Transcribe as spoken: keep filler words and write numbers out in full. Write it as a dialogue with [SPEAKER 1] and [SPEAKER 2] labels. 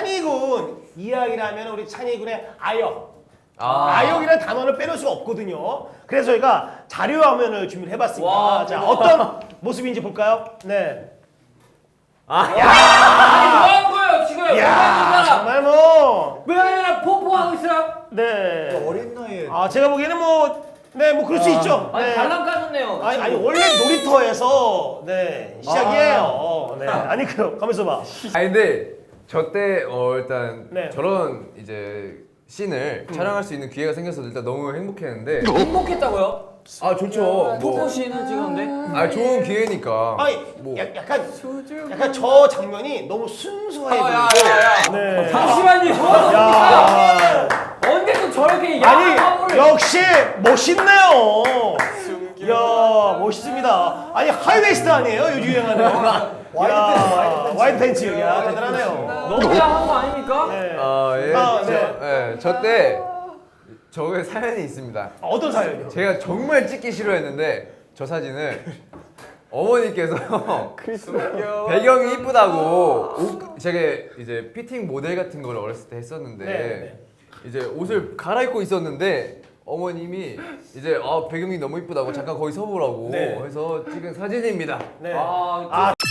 [SPEAKER 1] 찬이군 이야기를 하면 우리 찬이군의 아역.
[SPEAKER 2] 아.
[SPEAKER 1] 아역이라는 단어를 빼놓을 수가 없거든요. 그래서 저희가 자료 화면을 준비를 해봤습니다.
[SPEAKER 3] 와,
[SPEAKER 1] 자,
[SPEAKER 3] 대박.
[SPEAKER 1] 어떤 모습인지 볼까요? 네.
[SPEAKER 3] 아니 뭐 하는 거예요 지금?
[SPEAKER 1] 야, 정말 뭐.
[SPEAKER 3] 왜 아니라 포포하고 있어요?
[SPEAKER 1] 네.
[SPEAKER 4] 어린 나이에
[SPEAKER 1] 아, 제가 보기에는 뭐, 네, 뭐 그럴 수 있죠.
[SPEAKER 3] 아니
[SPEAKER 1] 네.
[SPEAKER 3] 발랑 까졌네요.
[SPEAKER 1] 아니, 아니 원래 놀이터에서 네 시작이에요. 네. 아니 그럼 가만있어 봐.
[SPEAKER 2] 아니 근데 저 때 어 일단
[SPEAKER 1] 네.
[SPEAKER 2] 저런 이제 씬을 촬영할 수 있는 기회가 생겨서 일단 너무 행복했는데
[SPEAKER 3] 행복했다고요?
[SPEAKER 2] 아 좋죠.
[SPEAKER 3] 포포
[SPEAKER 2] 뭐,
[SPEAKER 3] 씬을 찍었는데?
[SPEAKER 2] 아 좋은 기회니까.
[SPEAKER 1] 아니
[SPEAKER 2] 뭐.
[SPEAKER 1] 야, 약간 약간 저 장면이 너무 순수해
[SPEAKER 3] 아,
[SPEAKER 1] 보이고.
[SPEAKER 3] 야, 야, 야.
[SPEAKER 1] 네.
[SPEAKER 3] 잠시만요. 저는
[SPEAKER 1] 야.
[SPEAKER 3] 언제 또 저렇게
[SPEAKER 1] 아니
[SPEAKER 3] 야한 화보를
[SPEAKER 1] 역시 멋있네요. 야 멋있습니다. 아니 하이웨스트 아니에요? 요즘 유행하는. 야 와이드 팬츠. 야 대단하네요.
[SPEAKER 3] 너무 야한 거 아닙니까?
[SPEAKER 1] 네.
[SPEAKER 2] 아 예.
[SPEAKER 1] 아,
[SPEAKER 2] 저,
[SPEAKER 1] 네.
[SPEAKER 2] 예. 저 때 저의 사연이 있습니다.
[SPEAKER 1] 어떤 사연이요?
[SPEAKER 2] 제가 정말 찍기 싫어했는데 저 사진을 어머니께서 배경이 이쁘다고 옷, 제가 이제 피팅 모델 같은 걸 어렸을 때 했었는데
[SPEAKER 1] 네, 네.
[SPEAKER 2] 이제 옷을 갈아입고 있었는데 어머님이 이제 아 배경이 너무 이쁘다고 잠깐 거기 서보라고
[SPEAKER 1] 네.
[SPEAKER 2] 해서 찍은 사진입니다.
[SPEAKER 1] 네.
[SPEAKER 3] 아,
[SPEAKER 1] 아